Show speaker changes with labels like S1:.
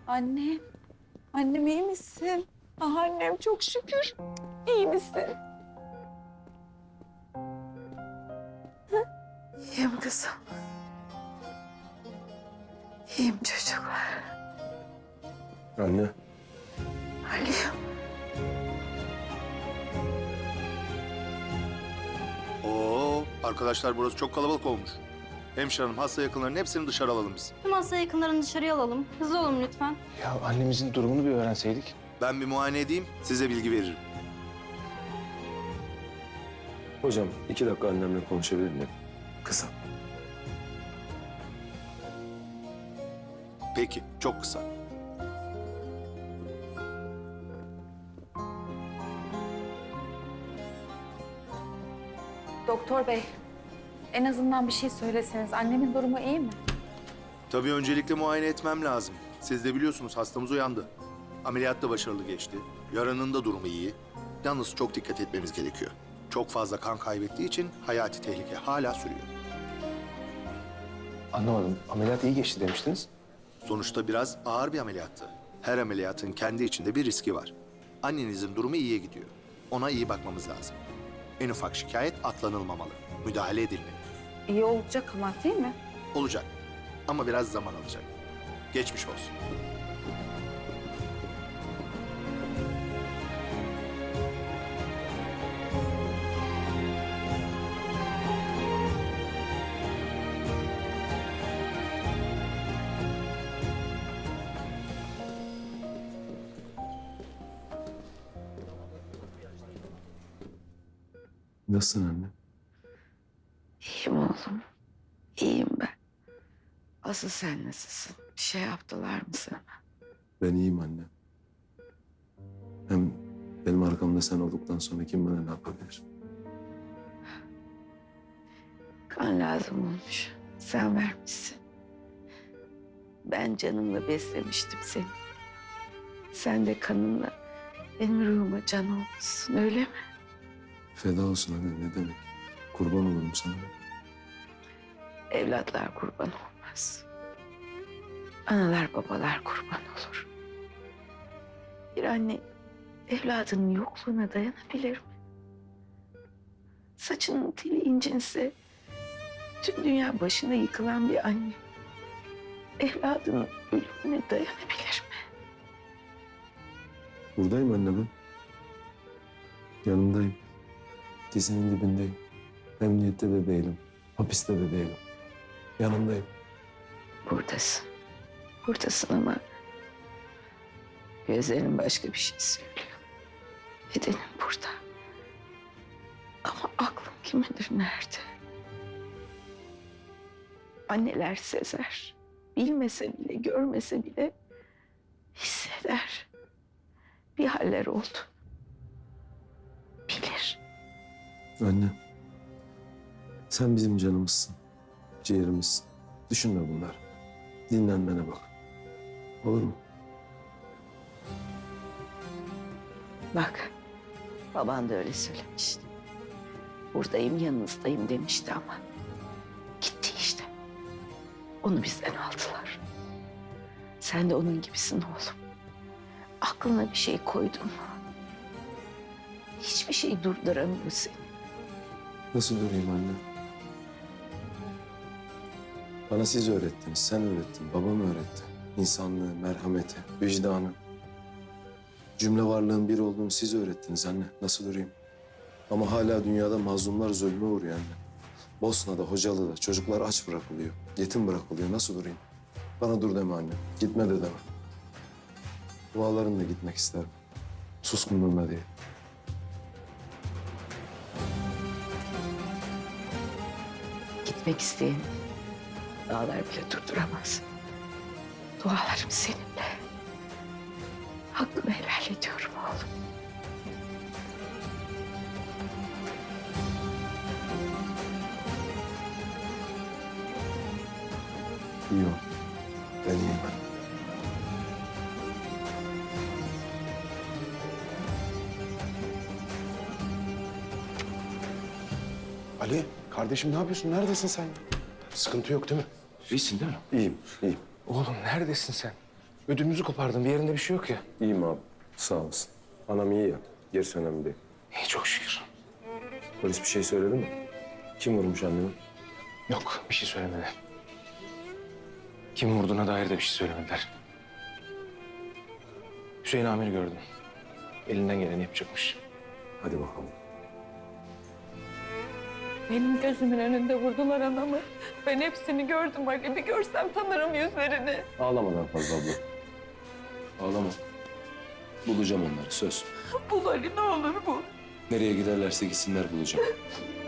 S1: Annem, annem iyi misin? Ah annem çok şükür. İyi misin?
S2: İyiyim kızım. İyiyim çocuklar.
S3: Anne.
S2: Ali'yim.
S4: Oo, arkadaşlar burası çok kalabalık olmuş. Hemşire hanım, hasta yakınlarının hepsini dışarı alalım biz.
S5: Tüm hasta yakınlarını dışarıya alalım. Hızlı olun lütfen.
S3: Ya annemizin durumunu bir öğrenseydik.
S4: Ben bir muayene edeyim, size bilgi veririm.
S3: Hocam 2 dakika annemle konuşabilir miyim? Kısa.
S4: Peki, çok kısa.
S1: Doktor bey, en azından bir şey söyleseniz. Annemin durumu iyi mi?
S4: Tabii öncelikle muayene etmem lazım. Siz de biliyorsunuz hastamız uyandı. Ameliyat da başarılı geçti. Yaranın da durumu iyi. Yalnız çok dikkat etmemiz gerekiyor. Çok fazla kan kaybettiği için hayati tehlike hala sürüyor.
S3: Anlamadım. Ameliyat iyi geçti demiştiniz.
S4: Sonuçta biraz ağır bir ameliyattı. Her ameliyatın kendi içinde bir riski var. Annenizin durumu iyiye gidiyor. Ona iyi bakmamız lazım. En ufak şikayet atlanılmamalı. Müdahale edilmeli.
S1: İyi olacak ama değil mi?
S4: Olacak. Ama biraz zaman alacak. Geçmiş olsun.
S3: Nasılsın anne?
S2: İyiyim oğlum. İyiyim ben. Asıl sen nasılsın? Bir şey yaptılar mı sana?
S3: Ben iyiyim anne. Hem benim arkamda sen olduktan sonra kim bana ne yapabilir?
S2: Kan lazım olmuş. Sen vermişsin. Ben canımla beslemiştim seni. Sen de kanınla benim ruhuma can olmuşsun, öyle mi?
S3: Feda olsun anne, ne demek? Kurban olurum sana.
S2: Evlatlar kurban olmaz. Analar babalar kurban olur. Bir anne evladının yokluğuna dayanabilir mi? Saçının teli incinse tüm dünya başına yıkılan bir anne evladının ölümüne dayanabilir mi?
S3: Buradayım anne ben. Yanındayım. Dizinin dibindeyim. Emniyette de değilim. Hapiste de değilim. Yanındayım.
S2: Buradasın. Buradasın ama gözlerin başka bir şey söylüyor. Bedenin burada. Ama aklın kim bilir nerede? Anneler sezer. Bilmese bile, görmese bile hisseder. Bir haller oldu. Bilir.
S3: Anne. Sen bizim canımızsın. Ciğerimizsin. Düşünme bunları. Dinlenmene bak. Olur mu?
S2: Bak, baban da öyle söylemişti. Buradayım, yanınızdayım demişti ama gitti işte. Onu bizden aldılar. Sen de onun gibisin oğlum. Aklına bir şey koydun mu? Hiçbir şey durduramıyor seni.
S3: Nasıl durayım anne? Bana siz öğrettiniz, sen öğrettin, babam öğretti. İnsanlığı, merhameti, vicdanı. Cümle varlığın bir olduğunu siz öğrettiniz anne. Nasıl durayım? Ama hala dünyada mazlumlar zulme uğruyor anne. Bosna'da, Hocalı'da çocuklar aç bırakılıyor, yetim bırakılıyor. Nasıl durayım? Bana dur deme anne, gitme de deme. Dualarınla gitmek isterim. Suskunluğumla değil.
S2: Gitmek isteyen dağlar bile durduramaz. Dualarım seninle. Hakkını helal ediyorum oğlum.
S3: İyi ol. Ben iyiyim ben.
S6: Ali, kardeşim ne yapıyorsun? Neredesin sen? Sıkıntı yok değil mi? İyisin değil mi?
S3: İyiyim, iyiyim.
S6: Oğlum neredesin sen? Ödümüzü kopardın. Bir yerinde bir şey yok ya.
S3: İyiyim abi. Sağ olasın. Anam iyi ya. Gerisi önemli değil.
S6: İyi çok şükür.
S3: Polis bir şey söyledi mi? Kim vurmuş annemi?
S6: Yok bir şey söylemedi. Kim vurduğuna dair de bir şey söylemediler. Hüseyin Amir'i gördüm. Elinden geleni yapacakmış.
S3: Hadi bakalım.
S1: Benim gözümün önünde vurdular anamı. Ben hepsini gördüm Ali. Bir görsem tanırım yüzlerini.
S3: Ağlama daha fazla abla. Ağlama. Bulacağım onları söz.
S1: Bul Ali ne olur bul.
S3: Nereye giderlerse gitsinler bulacağım.